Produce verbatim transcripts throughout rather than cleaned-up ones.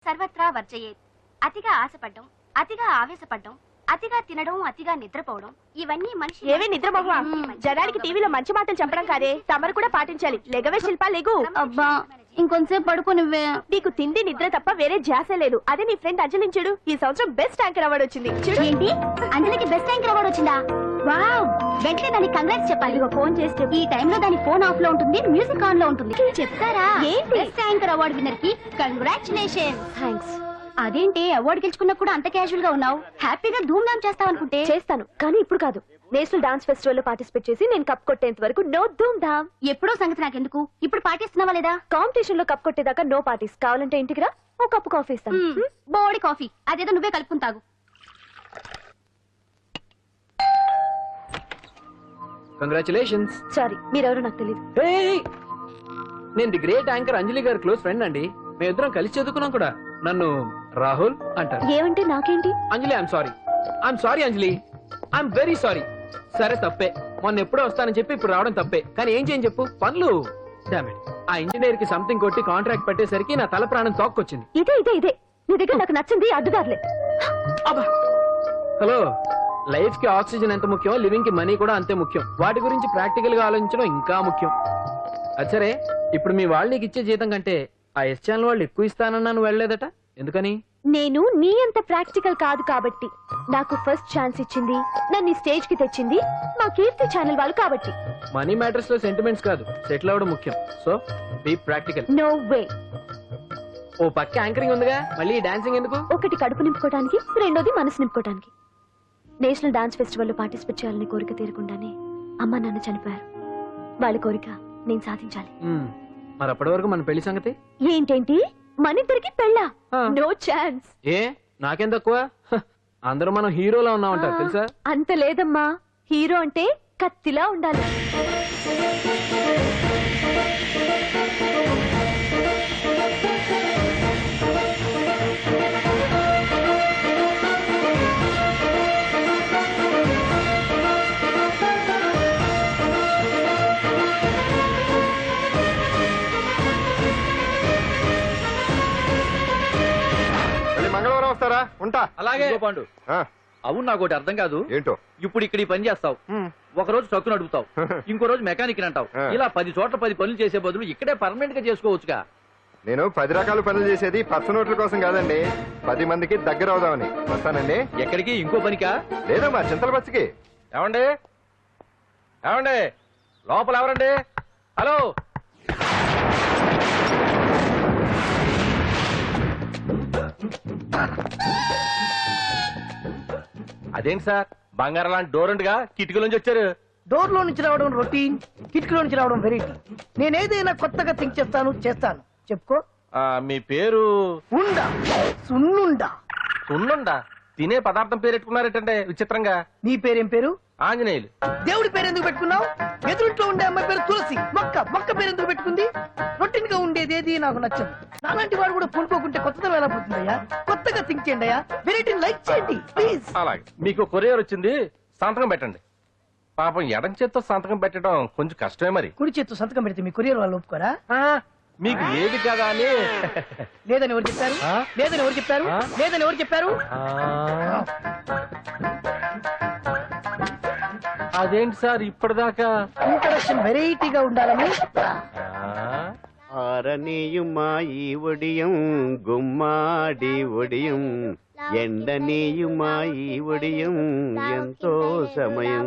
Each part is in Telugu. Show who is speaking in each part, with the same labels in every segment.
Speaker 1: సర్వత్రా వర్జయేత్. అతిగా ఆశపడ్డం, అతిగా ఆవేశపడ్డం, అతిగా తినడం, అతిగా నిద్రపోవడం, ఇవన్నీ మనిషి.
Speaker 2: ఏవే నిద్రమోహ, జనానికి టీవీలో మంచి మాటలు చెప్పడం కాదే, తమరు కూడా పాటించాలి. లెగవే శిల్పా, లెగు.
Speaker 1: అబ్బా ఇంకొంతసేపు పడుకో నువ్వే.
Speaker 2: నీకు తిండి నిద్ర తప్ప వేరే ధ్యాస లేదు. అదే నీ ఫ్రెండ్ అంజలించుడు, ఈ సంవత్సరం బెస్ట్ యాంకర్ అవార్డు వచ్చింది. చూడు.
Speaker 1: ఏంటి, అంజలికి బెస్ట్ యాంకర్ అవార్డు వచ్చిందా? వావ్, వెంటనే దానికి కంగ్రాట్స్ చెప్పాలి. ఇక ఫోన్ చేస్తే ఈ టైంలో దాని ఫోన్ ఆఫ్ లో ఉంటుంది, మ్యూజిక్ ఆన్ లో ఉంటుంది. చెప్తారా?
Speaker 2: ఏంటి?
Speaker 1: బెస్ట్ యాంకర్ అవార్డు విన్నర్ కి కంగ్రాచులేషన్.
Speaker 2: థ్యాంక్స్.
Speaker 1: అదేంటి అవార్డు గెలుచుకున్నా కూడా అంత క్యాజువల్ గా ఉన్నావు? హ్యాపీగా ధూమ్ ధామ్ చేస్తావు అనుకుంటే.
Speaker 2: చేస్తాను, కానీ ఇప్పుడు కాదు. నేషనల్ డాన్స్ ఫెస్టివల్ లో పార్టిసిపేట్ చేసి నేను కప్ కొట్టేంత వరకు నో ధూమ్ ధామ్.
Speaker 1: ఎప్పుడో సంగతి నాకెందుకు, ఇప్పుడు పాటిస్తున్నావా లేదా?
Speaker 2: కాంపిటీషన్ లో కప్ కొట్టేదాకా నో పార్టీస్. కావాలంటే ఇంటికి రా, ఓ కప్పు కాఫీ ఇస్తాను.
Speaker 1: బోడి కాఫీ అదేదో నువ్వే కలుపుకుని తాగు.
Speaker 3: కంగ్రాచులేషన్స్.
Speaker 2: సారీ, మీరెవరో నాకు తెలియదు.
Speaker 3: నేను ది గ్రేట్ యాంకర్ అంజలి గారి క్లోజ్ ఫ్రెండ్ అండి. మేమిద్దరం కలిసి చదువుకున్నాం కూడా. నన్ను రాహుల్ అంటారు.
Speaker 2: ఏమంటే నాకేంటి?
Speaker 3: Anjali, I'm sorry. I'm sorry Anjali, I'm very sorry. సరే తప్పే, మొన్న ఎప్పుడో వస్తానని చెప్పి ఇప్పుడు రావడం తప్పే. కానీ ఏం చేయని చెప్పు, పనులు. డామిట్, ఆ ఇంజనీర్ కి సంథింగ్ కొట్టి కాంట్రాక్ట్ పెట్టేసరికి నా తల ప్రాణం తోక్కొచ్చింది.
Speaker 2: ఇదే ఇదే ఇదే నీ దగ్గర నాకు నచ్చింది అడ్డుదారులే.
Speaker 3: హలో, లైఫ్ కి ఆక్సిజన్ ఎంత ముఖ్యం, లివింగ్ కి మనీ కూడా అంతే ముఖ్యం. వాటి గురించి ప్రాక్టికల్ గా ఆలోచించడం ఇంకా ముఖ్యం. అచ్చరే, ఇప్పుడు మీ వాళ్ళు నీకు ఇచ్చే జీతం కంటే ఆ ఎస్ ఛానల్ వాళ్ళు ఎక్కువ ఇస్తానన్నా నువ్వు వెళ్ళలేదట, ఎందుకని?
Speaker 2: నేను నీ అంత ప్రాక్టికల్ కాదు కాబట్టి. నాకు ఫస్ట్ ఛాన్స్ ఇచ్చింది, నన్ను స్టేజ్ కి తెచ్చింది మా కీర్తి ఛానల్ వాళ్ళు కాబట్టి.
Speaker 3: మనీ మ్యాటర్స్ లో సెంటిమెంట్స్ కాదు, సెటిల్ అవ్వడం ముఖ్యం. So be practical.
Speaker 2: No way.
Speaker 3: ఓ పక్క యాంకరింగ్ ఉందిగా, మళ్ళీ డాన్సింగ్ ఎందుకు?
Speaker 2: ఒకటి కడుపు నింపుకోవడానికి, రెండోది మనసు నింపుకోవడానికి. నేషనల్ డాన్స్ ఫెస్టివల్ లో పార్టిసిపేట్ చేయాలని కోరిక తీరకుండానే అమ్మ నాన్న చనిపోయారు. వాళ్ళ కోరిక నేను సాధించాలి.
Speaker 3: మరి అప్పటి వరకు మన పెళ్లి సంగతి
Speaker 2: ఏంటేంటి, మన ఇద్దరికి పెళ్ళా? No chance.
Speaker 3: ఏ నాకేం తక్కువ? అందరూ మనం హీరోలా ఉన్నామంటారు తెలుసా?
Speaker 2: అంత లేదమ్మా, హీరో అంటే కత్తిలా ఉండాలి.
Speaker 4: మంగళవారం వస్తారా? ఉంటా.
Speaker 5: అలాగే పాండు. అవును, నాకు ఒకటి అర్థం కాదు.
Speaker 4: ఏంటో?
Speaker 5: ఇప్పుడు ఇక్కడ ఈ పని చేస్తావు, ఒక రోజు ట్రక్కు నడుపుతావు, ఇంకో రోజు మెకానిక్ అంటావు. ఇలా పది చోట్ల పది పనులు చేసే బదులు ఇక్కడే పర్మనెంట్ గా చేసుకోవచ్చుగా.
Speaker 4: నేను పది రకాల పనులు చేసేది పచ్చ నోట్ల కోసం కాదండి, పది మందికి దగ్గర అవుదామని. వస్తానండి.
Speaker 5: ఎక్కడికి? ఇంకో పనికా?
Speaker 4: లేదా మా చింతల బస్సుకి.
Speaker 5: ఏమండి ఏమండి లోపల ఎవరండి? హలో, అదేంటి సార్, బంగారం లాంటి డోర్ ఉండగా కిటికీ నుంచి వచ్చారు?
Speaker 6: డోర్ లో నుంచి రావడం రొటీన్, కిటికీలో నుంచి రావడం వెరైటీ. నేనేదైనా కొత్తగా థింక్ చేస్తాను చేస్తాను. చెప్పుకో.
Speaker 5: మీ పేరు?
Speaker 6: ఉండా, సున్నుండా.
Speaker 5: సున్నుండా? తినే పదార్థం పేరు పెట్టుకున్నారేటంటే విచిత్రంగా.
Speaker 6: నీ పేరేం పేరు?
Speaker 5: ఆంజనేయులు.
Speaker 6: దేవుడి పేరు ఎందుకు పెట్టుకున్నావు? ఎదురుంట్లో ఉండే అమ్మాయి పేరు తులసి. మొక్క మొక్క పేరు ఎందుకు పెట్టుకుంది? రొటీన్ గా ఉండేది ఏది నాకు నచ్చదు. నాలాంటి వాడు కూడా పూనుకోకుంటే కొత్తదనం ఎలా పోతుందయ్యా? కొత్తగా థింక్ చేయండి అయ్యా, వెరైటీ లైక్ చేయండి ప్లీజ్.
Speaker 5: అలాగే, మీకు కొరియర్ వచ్చింది, సంతకం పెట్టండి. పాపం ఎడం చేత్తో సంతకం పెట్టడం కొంచెం కష్టమే. మరి
Speaker 6: కుడి చేత్తు సంతకం పెడితే మీ కొరియర్ వాళ్ళు ఒప్పుకోరా?
Speaker 5: మీకు లేదు కదా అని.
Speaker 6: లేదని ఎవరు చెప్పారు? లేదని ఎవరు చెప్పారు? లేదని ఎవరు చెప్పారు?
Speaker 5: అదేంటి సార్ ఇప్పటిదాకా
Speaker 6: ఇంట్రడక్షన్ వెరైటీగా ఉండాలని.
Speaker 7: ఆరనీయుమా ఈ ఒడియం గుమ్మాడి ఒడియం, ఎండనీయుమా ఈ ఒడియం ఎంతో సమయం.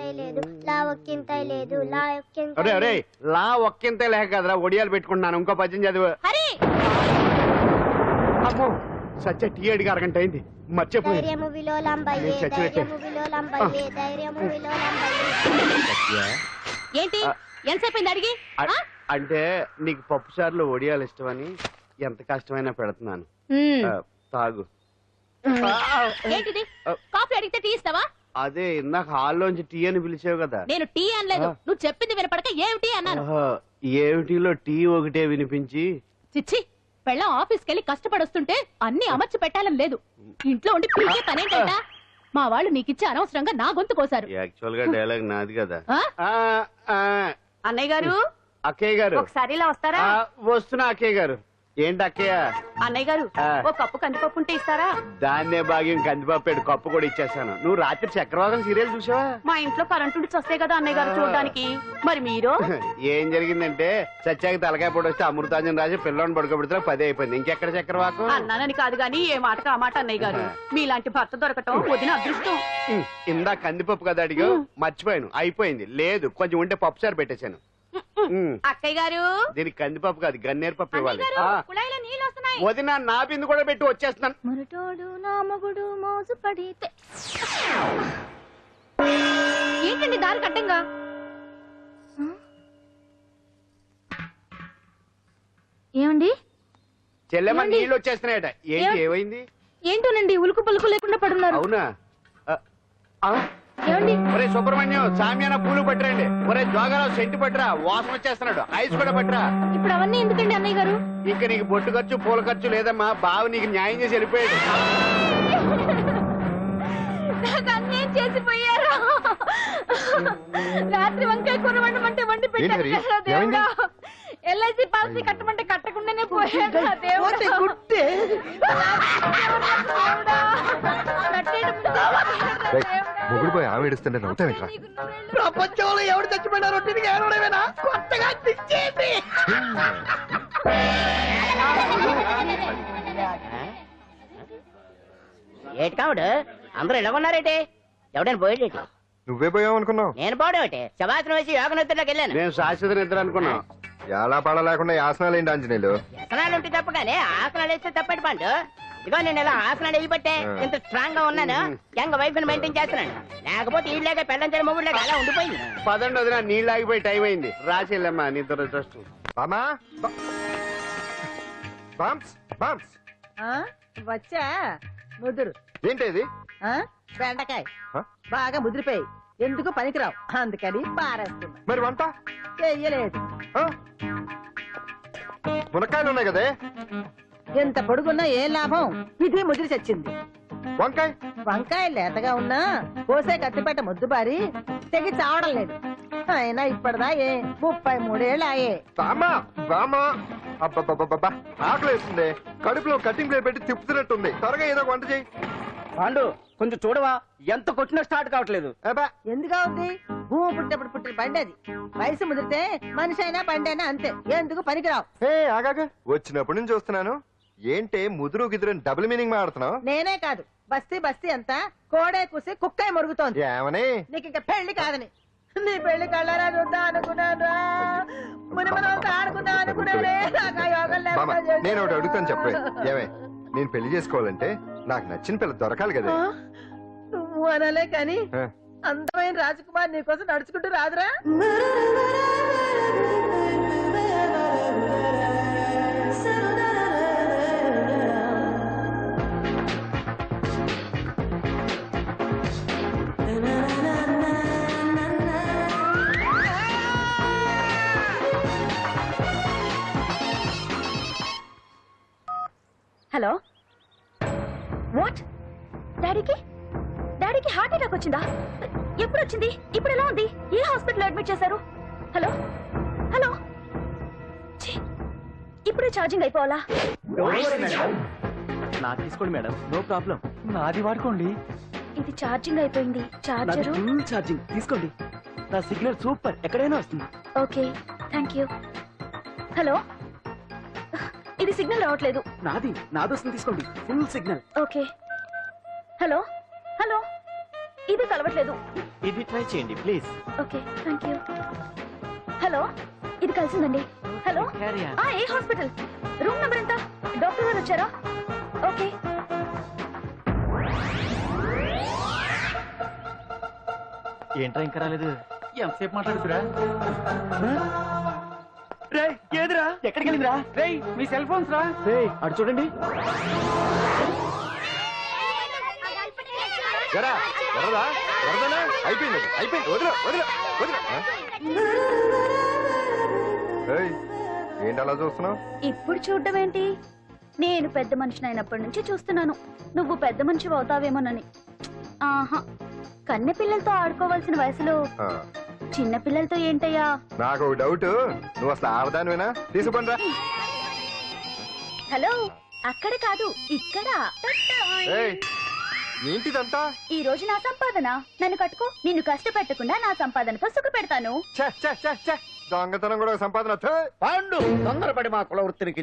Speaker 7: అరే అరే, లా ఒక్కింతే లేక కదరా ఒడియాలు పెట్టుకుంటున్నాను. ఇంకో పద్యం చదివు. అమ్మో, సత్య టీ అడిగి అరగంట అయింది, మర్చిపోయి
Speaker 1: ఏంటి ఎంతసేపు అడిగి?
Speaker 7: అంటే నీకు పప్పు సార్లు ఒడియాలు ఇష్టమని ఎంత కష్టమైనా పెడుతున్నాను, తాగు.
Speaker 1: ఏంటిది? కాఫీ అడిగితే టీ ఇస్తావా?
Speaker 7: అదే ఇందాక హాల్లోంచి టీ అని పిలిచావు కదా.
Speaker 1: నేను టీ అనలేదు, నువ్వు చెప్పింది వినపడక ఏమిటి అన్నాను.
Speaker 7: ఏమిటిలో టీ ఒకటే వినిపించి.
Speaker 1: చిచ్చి, పెళ్ళం ఆఫీస్కి వెళ్ళి కష్టపడొస్తుంటే అన్ని అమర్చి పెట్టాలని లేదు. ఇంట్లో ఉండి పీకే పనేంటంట? మా వాళ్ళు నీకిచ్చి అనవసరంగా నా గొంతు కోసారు.
Speaker 7: యాక్చువల్ గా డైలాగ్ నాది కదా.
Speaker 2: అన్నయ్య గారు,
Speaker 7: అక్కయ్య గారు
Speaker 2: ఒకసారి ఇలా వస్తారా?
Speaker 7: వస్తున్నా అక్కయ్య గారు. ఏంటి అక్కయ్య?
Speaker 8: అన్నయ్య గారు
Speaker 7: ఆ.
Speaker 8: ఓ కప్పు కందిపప్పు ఉంటే ఇస్తారా?
Speaker 7: దాన్నే భాగ్యం కందిపాపేడు కప్పు కూడా ఇచ్చేసాను. నువ్వు రాత్రి చక్రవాదం సీరియల్ చూసావా?
Speaker 8: మా ఇంట్లో కరెంటు ఉండి వస్తే కదా అన్నయ్య గారు చూడడానికి. మరి మీరు?
Speaker 7: ఏం జరిగిందంటే సత్యాకి తలకాయ పొడి వస్తే అమృతాంజన్ రాజు పిల్లని పడుకోబెడితే పదే అయిపోయింది. ఇంకెక్కడ చక్రవాకం?
Speaker 8: అన్నానని కాదు గాని ఏ మాటకు ఆ మాట అన్నయ్య గారు. మీలాంటి భర్త దొరకటం వదిన అదృష్టం.
Speaker 7: ఉమ్, ఇందా కందిపప్పు కదా అడిగా, మర్చిపోయాను. అయిపోయింది. లేదు కొంచెం ఉంటే పప్పు సార్ పెట్టేశాను. ఉమ్,
Speaker 8: అక్కయ్య గారు
Speaker 7: దీనికి కందిపప్పు కాదు గన్నేరు పప్పు ఇవ్వాలి.
Speaker 8: అన్నయ్య
Speaker 7: ఆ,
Speaker 8: గారు, కుళాయిలో నీళ్ళు వస్తున్నాయి.
Speaker 7: వదిన నా బిందు కూడా పెట్టి వచ్చేస్తున్నాను.
Speaker 2: మురటోడు నా మగుడు మోజు పడితే.
Speaker 1: ఏంటండి దారి కట్టంగా?
Speaker 2: ఏమండి
Speaker 7: చెల్లెమ్మ
Speaker 2: ఏమండి?
Speaker 7: నీళ్ళు వచ్చేస్తున్నాయట. ఏంటి
Speaker 2: ఏం-
Speaker 7: ఏమైంది?
Speaker 2: ఏంటోనండి ఉలుకు పలుకు లేకుండా పడున్నారు.
Speaker 7: అవునా? ఆ, ఆ,
Speaker 2: ఏమండి
Speaker 7: ఒరే సుబ్రహ్మణ్యం సామ్యాన పూలు పట్టరండి. ఒరే జోగారావు సెంటు పట్టరా, వాసన వచ్చేస్తున్నాడు. ఐస్ కూడా పట్టరా.
Speaker 2: ఇప్పుడు అవన్నీ ఎందుకండి అన్నయ్య గారు?
Speaker 7: ఇంకా నీకు బొట్టు ఖర్చు పూల ఖర్చు లేదమ్మా. బావ నీకు న్యాయం చేసి వెళ్ళిపోయాడు.
Speaker 2: నాకు అన్యాయం చేసిపోయారు. రాత్రి వంకాయ కూర వండమంటే వండి
Speaker 4: ఏంటి హరి?
Speaker 2: పెట్టారు
Speaker 4: ఏమైంది?
Speaker 2: దేవుడా. ఎల్ఐసి పాలసీ కట్టమంటే కట్టకుండానే పోయాడు నా దేవుడా.
Speaker 6: పోతే గుట్టే.
Speaker 2: దేవుడా. కట్టేయడం ముందే పోయాడు నా
Speaker 4: రేయ్,
Speaker 2: దేవుడా.
Speaker 4: మొగుడు పోయి ఆమె ఏడుస్తుంటే నవ్వుతావేట్రా?
Speaker 2: నీకు నూరేళ్ళు.
Speaker 6: ప్రపంచంలో ఎవడు చచ్చిపోయినా రొట్టెని ఏడవడమేనా? కొత్తగా తెచ్చేయండి.
Speaker 9: ఏటి కావుడు అందరూ ఇలా ఉన్నారేటి? ఎవడైనా పోయేటి?
Speaker 4: నువ్వే పోయావు అనుకున్నావు.
Speaker 9: నేను పోవడేటి? శవాసనం వేసి యోగ నిద్రలోకి వెళ్ళాను.
Speaker 7: నేను శాశ్వత నిద్ర అనుకున్నా.
Speaker 4: ఎలా పాడ లేకుండా యాసనాలు ఏంటి ఆంజనేయులు?
Speaker 9: వ్యసనాలు ఉంటే తప్ప కానీ ఆసనాలు వేస్తే తప్పటి పండు. ఇదిగో నేను ఇలా ఆసనాలు వేయబట్టే ఇంత స్ట్రాంగ్ గా ఉన్నాను. యంగ్ వైఫ్ ని మెయింటైన్ చేస్తున్నాను. లేకపోతే ఈ లేక పెళ్ళంచని మొగుడు లేక అలా ఉండిపోయింది.
Speaker 7: పదండి వదిన, నీళ్ళు ఆగిపోయి టైం అయింది. రాసేళ్ళమ్మా నీ దురదృష్టం.
Speaker 4: బామా బామ్స్ బామ్స్
Speaker 10: వచ్చా ముదురు
Speaker 4: ఏంటి ఇది?
Speaker 10: ఆ? బెండకాయ
Speaker 4: ఆ?
Speaker 10: బాగా ముదిరిపోయి ఎందుకు పనికిరావు అందుకని పారేస్తున్నా.
Speaker 4: మరి వంట
Speaker 10: చెయ్యలేదు.
Speaker 4: ఆ? మునక్కాయలు ఉన్నాయి కదే.
Speaker 10: ఎంత పొడుగున్నా ఏం లాభం? ఇది ముదిరి చచ్చింది.
Speaker 4: వంకాయ
Speaker 10: వంకాయ లేతగా ఉన్నా కోసే కత్తిపేట ముద్దు బారి తెగి చావడం లేదు. అయినా ఇప్పటిదా ఏ ముప్పై మూడేళ్ళు ఆయే.
Speaker 4: బామా బామా అబ్బబ్బబ్బబ్బా ఆకలి వేస్తుంది. కడుపులో కటింగ్ ప్లేట్ పెట్టి తిప్పుతున్నట్టుంది. త్వరగా ఏదో ఒక వంట చేయి.
Speaker 5: పాండు కొంచెం చూడవా, ఎంత కొట్టినా స్టార్ట్ కావట్లేదు.
Speaker 4: అబ్బా
Speaker 10: ఎందుగా ఉంది? భూమి పుట్టినప్పుడు పుట్టిన బండి అది. వయసు ముదిరితే మనిషి అయినా బండి అయినా అంతే. ఎందుకు పనికిరావు.
Speaker 4: హే ఆగాక వచ్చినప్పటి నుంచి చూస్తున్నాను. ఏంటే ముదురు గిదురు డబుల్ మీనింగ్ మాడుతున్నావు?
Speaker 10: నేనే కాదు బస్తీ బస్తీ అంతా కోడే కూసి కుక్కాయ మురుగుతోంది.
Speaker 4: ఏమని?
Speaker 10: నీకు ఇంకా పెళ్లి కాదని. నీ పెళ్లి కళ్ళరా చూద్దాం అనుకున్నాను. ముని మనం అంతా ఆడుకుందాం అనుకున్నానే. నాకు ఆ యోగం
Speaker 4: బామ్మ
Speaker 10: లేకుండా చేశారు.
Speaker 4: నేను ఒకటి అడుగుతాను చెప్పే. ఏమే నేను పెళ్లి చేసుకోవాలంటే నాకు నచ్చిన పిల్ల దొరకాలి కదా.
Speaker 10: ఆ? నువ్వు అనలే కాని
Speaker 4: ఆ.
Speaker 10: అందమైన రాజకుమార్ నీకోసం నడుచుకుంటూ రాదురా.
Speaker 2: Hello what? డాడీకి డాడీకి హార్ట్ అటాక్ వచ్చిందా? ఎప్పుడు వచ్చింది? ఇప్పుడు ఎలా ఉంది? ఏ హాస్పిటల్ అడ్మిట్ చేశారు? హలో హలో ఛీ, ఇప్పుడే ఛార్జింగ్ అయిపోవాలా?
Speaker 3: నాకు తీసుకోండి మేడం, నో ప్రాబ్లం. నాది వాడుకోండి.
Speaker 2: ఇది ఛార్జింగ్ అయిపోయింది. చార్జరు
Speaker 3: ఫుల్ ఛార్జింగ్ తీసుకోండి. నా సిగ్నల్ సూపర్, ఎక్కడైనా వస్తుంది.
Speaker 2: Okay thank you. హలో ఇది సిగ్నల్ రావట్లేదు.
Speaker 3: నాది నాది వస్తుంది, తీసుకోండి. Full signal.
Speaker 2: Okay hello hello ఇది కలవట్లేదు.
Speaker 3: ఇది ట్రై చేయండి please.
Speaker 2: Okay thank you. Hello ఇది కలిసిందండి. Hello
Speaker 3: Carry on.
Speaker 2: ఆ ఏ హాస్పిటల్? రూమ్ నెంబర్ ఎంత? డాక్టర్ గారు వచ్చారా? ఓకే
Speaker 3: ఏంట్రా ఇంకా రాలేదు? ఎంతసేపు మాట్లాడుతురా? రే ఏదిరా? ఎక్కడికి వెళ్ళిందిరా? రే మీ సెల్ ఫోన్స్ రా. రే అటు చూడండి.
Speaker 4: ఎరా ఎర్రదా ఎర్రదనా? అయిపోయింది అయిపోయింది. వదిలే వదిలే వదిలే. ఆ? ఏయ్, ఏంటి అలా చూస్తున్నావు?
Speaker 2: ఇప్పుడు చూడడం ఏంటి? నేను పెద్ద మనిషిని అయినప్పటి నుంచి చూస్తున్నాను. నువ్వు పెద్ద మనిషి అవుతావేమోనని. ఆహా, కన్నె పిల్లలతో ఆడుకోవాల్సిన వయసులో చిన్న పిల్లలతో ఏంటయ్యా?
Speaker 4: నాకు ఒక డౌట్. నువ్వు అసలు ఆడదానివేనా? తీసుకుంటా.
Speaker 2: హలో అక్కడ కాదు ఇక్కడ.
Speaker 4: ఏయ్, ఏంటిదంతా?
Speaker 2: ఈ రోజు నా సంపాదన. నన్ను కట్టుకో. నిన్ను కష్టపెట్టకుండా నా సంపాదనతో సుఖ పెడతాను.
Speaker 4: ఛే, ఛే, ఛే, ఛే. దొంగతనం కూడా ఒక సంపాదన. థూ.
Speaker 5: పాండు తొందరపడి మా కుల వృత్తిని